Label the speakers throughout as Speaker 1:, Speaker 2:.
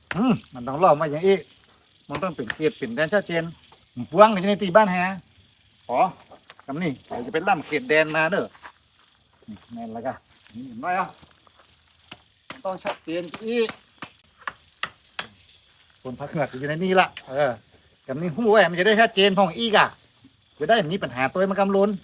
Speaker 1: มันต้องเล่ามาอย่างอีกมันต้องเป็นเขตเป็นแดนชัดเจนฟวงอยู่ในตีบ้านแฮขอคำนี้เดี๋ยวจะเป็นล่ำเขตแดนมาเด้อนั่นแล้วก็นี่เห็นไหมอ่ะต้องชัดเจนอีกคนพักเหงือกอยู่ในนี่ละคำนี้หู้ไว้มันจะได้ชัดเจนของอีกอ่ะจะได้มีปัญหาตัวมันกำลุน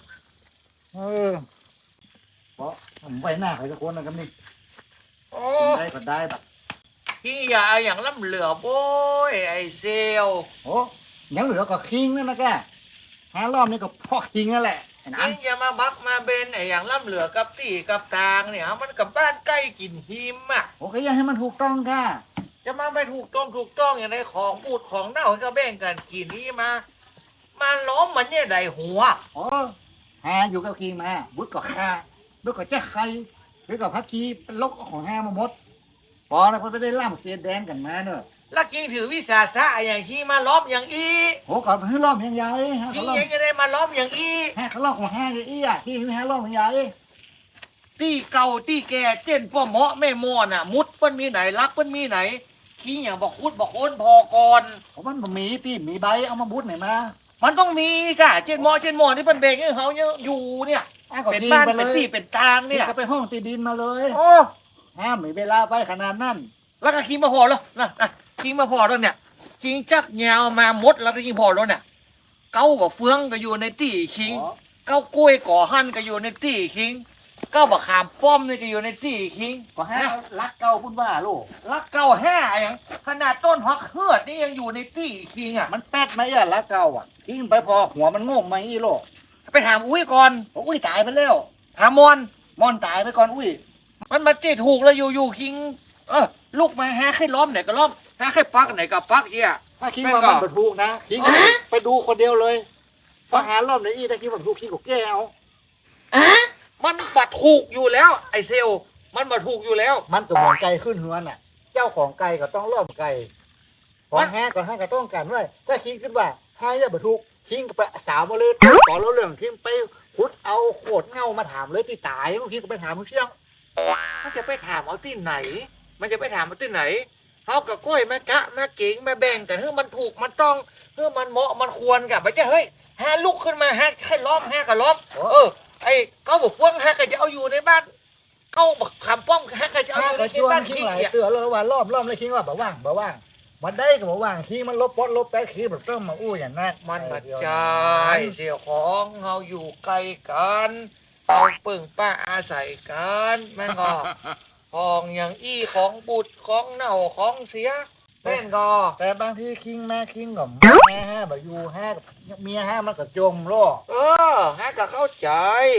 Speaker 1: เพราะผมไว้หน้าใครสักคนนะคำนี้ได้ก็ได้แบบ
Speaker 2: พี่อย่าอย่างล่ำเหลือโบ้ยไอเซล
Speaker 1: โอ้ยังเหลือก็คิงนั่นนะแก5 รอบนี่ก็พอคิงนั่นแหละ
Speaker 2: นี่อย่ามาบักมาเบนไออย่างล่ำเหลือกับตีกับตางเนี่ยมันกับบ้านใกล้กินหิมอ่ะ
Speaker 1: โอเคยังให้มันถูกต้องค่ะ
Speaker 2: จะมาไม่ถูกต้องอย่างในของบูดของเน่าก็แบ่งกันกินนี่มาล้อมมันเนี่ยใดหัว
Speaker 1: โอ้อยู่กับคิงมาบุตรก็ฆ่าบุตรก็แจ้ใครบุตรก็พักคีเป็นลกของมาหมดพอแล้วพอไปได้ล่ำเขตแดนกันมาเนอะ
Speaker 2: แล้วกิงถือวิสาสะอย่างที่มาล้อมอย่างอี
Speaker 1: โอ้ก่อนให้รอบยังใหญ่
Speaker 2: กิงยังจะได้มาล้อมอย่างอี
Speaker 1: เขารอบของอย่างอีอ่ะที่ไม่ให้รอบยังใหญ่
Speaker 2: ตีเก่าตีแก่เจนพ่อเหมาะแม่มอน่ะมุดมันมีไหนรักมันมีไหนขี้อย่างบอกคุดบอกโอนพอก่อน
Speaker 1: มันมีตีมีใบเอามาบุดไหนมา
Speaker 2: มันต้องมีกะเจนมอที่เป็นเบงให้เขาอยู่เนี่ยเป็นบ้านเป็นตีเป็นกลางเนี่ย
Speaker 1: ก็ไปห้องตีดินมาเลย
Speaker 2: โอ้
Speaker 1: มีเวลาไปขนาดนั้น
Speaker 2: แล้วก็คิงมาพอแล้วนะคิงมาพอแล้วเนี่ยคิงจักแนวมามดแล้วก็คิงพอแล้วเนี่ยเก้ากับเฟืองก็อยู่ในตีคิงเก้ากล้วยก่อหั่นก็อยู่ในตีคิงเก้าบักขามป้อมนี่ก็อยู่ในตีคิง
Speaker 1: ก็รักเก้าพูดว่าลูก
Speaker 2: รักเก้าอย่างขนาดต้นฮอกเฮือดนี่ยังอยู่ในตีคิงอ่ะ
Speaker 1: มันแป๊ดไหมอ่ะรักเก้าอ่ะคิงไปพอหัวมันงงไหมอีโล
Speaker 2: ไปถามอุ้ยก่อน
Speaker 1: อุ้ยตายไปแล้ว
Speaker 2: ถาม
Speaker 1: มอนตายไปก่อนอุ้ย
Speaker 2: มันมาเจ๊ถูกแล้วอยู่คิงลูกมาหาใครล้อมไหนก็ล้อมหาใครปักไหนก็ปักเอี่ย
Speaker 1: ถ้าคิงว่ามันถูกนะคิงไปดูคนเดียวเลยพอหารอบไหนอีถ้าคิงว่าถูกคิงก็แก้เอา
Speaker 2: มันบัดถูกอยู่แล้วไอเซลมันบัดถูกอยู่แล้ว
Speaker 1: มันก็เหมือนไก่ขึ้นหัวน่ะเจ้าของไก่ก็ต้องล้อมไก่ของแฮก่อนให้ก็ต้องการไว้ถ้าคิงขึ้นว่าให้จะบัดถูกคิงก็ไปสาวมาเลยต่อแล้วเรื่องคิงไปขุดเอาโคตรเงามาถามเลยที่ตายคิงก็ไปถามเชี่ยง
Speaker 2: มันจะไปถามเอาที่ไหนมันจะไปถามเอาที่ไหนเขากับก้อยแม่กะแม่เก่งแม่แบ่งกันเฮ้ยมันถูกมันต้องเฮ้ยมันเหมาะมันควรกับไปจะเฮ้ยแฮลุกขึ้นมาแฮให้ล้อมแฮกับล้อมไอ้เขาบอกเฟื่องแฮก็จะเอาอยู่ในบ้านเขาบอกขามป้อมแฮก็จะเอาอยู่ในบ้าน
Speaker 1: คิงเตือนเลยว่าล้อมเลยคิงว่าบ่ว่างมันได้ก็บ่ว่างคิงมันลบปดลบแป๊ดคิงแบบต้องมาอู้อย่างนั้น
Speaker 2: มันมาใจเสี่ยวของเราอยู่ไกลกันเอาปึ่งป้าอาศัยกันแม่งก็ของอย่างอี้ของบุตรของเน่าของเสียแม่งก็
Speaker 1: แต่บางทีคิงก็แม่แบบอยู่เมียมันก็จมโลก
Speaker 2: ฮะก็เข้าใจ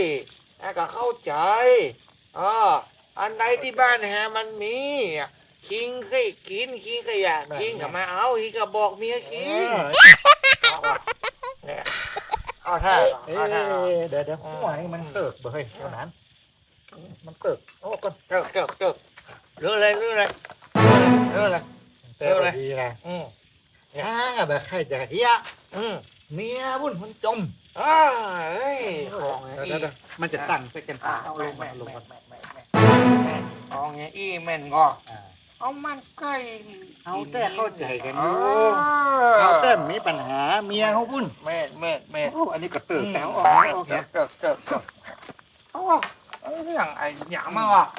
Speaker 2: อันใดที่บ้านมันมีคิงเคยกินคิงก็อยากคิงก็มาเอาคิงก็บอกเมียคิงเอาท่า
Speaker 1: เดี๋ยวหัวนี่มันเกิดเฮ้ยเท่านั้นมันเกิดโอ้ก่อน
Speaker 2: เกิดเรื่องอะไรดีนะ
Speaker 1: แบบใครจะเฮียเมียวุ่นมันจมมันจะตั้งไปกันเอาลง
Speaker 2: เอาเงี้ยแม่นก็เอามันใกล้
Speaker 1: เอาแต่เข้าใจกันอยู่เอาแต่มีปัญหาเมียเขาวุ่น
Speaker 2: แม่
Speaker 1: อันนี้ก็ตื่นแต่ออกโอเค
Speaker 2: เกิดอย่างไอ้หยางมากอ่ะ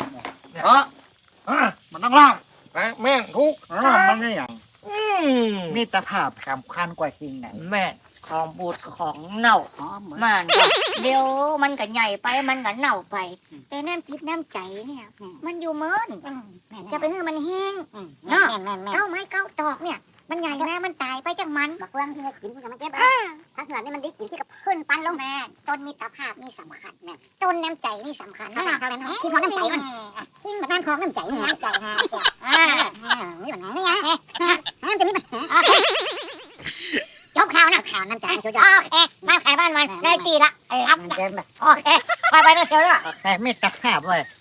Speaker 1: มันต้องล่าง
Speaker 2: แม่งทุก
Speaker 1: มันไม่อย่างมีตะภาพสำคัญกว่าคิงไหน
Speaker 3: แม่ของบูดของเน่ามันเดี๋ยวมันก็ใหญ่ไปมันก็เน่าไปแต่น้ำจิตน้ำใจเนี่ยมันอยู่เมินจะไปให้มันแห้งเนาะเอาไม้เก้าตอกเนี่ยมันใหญ่นะมันตายไปจากมัน
Speaker 4: บักเฟืองที่กินที่มันเจ็บถ้าเหนือนี่มันดิกินที่กับขึ้นปันลงแม่ต้นมิตรภาพนี่สำคัญแม่ต้นน้ำใจนี่สำคัญนะคิดของน้ำใจมันทิ้งแบบนั้นของน้ำใจน้ำใจฮะนี่แบบไหนนี่ไงน้ำจะมีปัญหาจบข่าวนะข่าวน้ำใจโอเคบ้านใครบ้านมันได้ตีละรับโอเคไปเรื่อยๆ
Speaker 1: แค่มิตรภาพไว้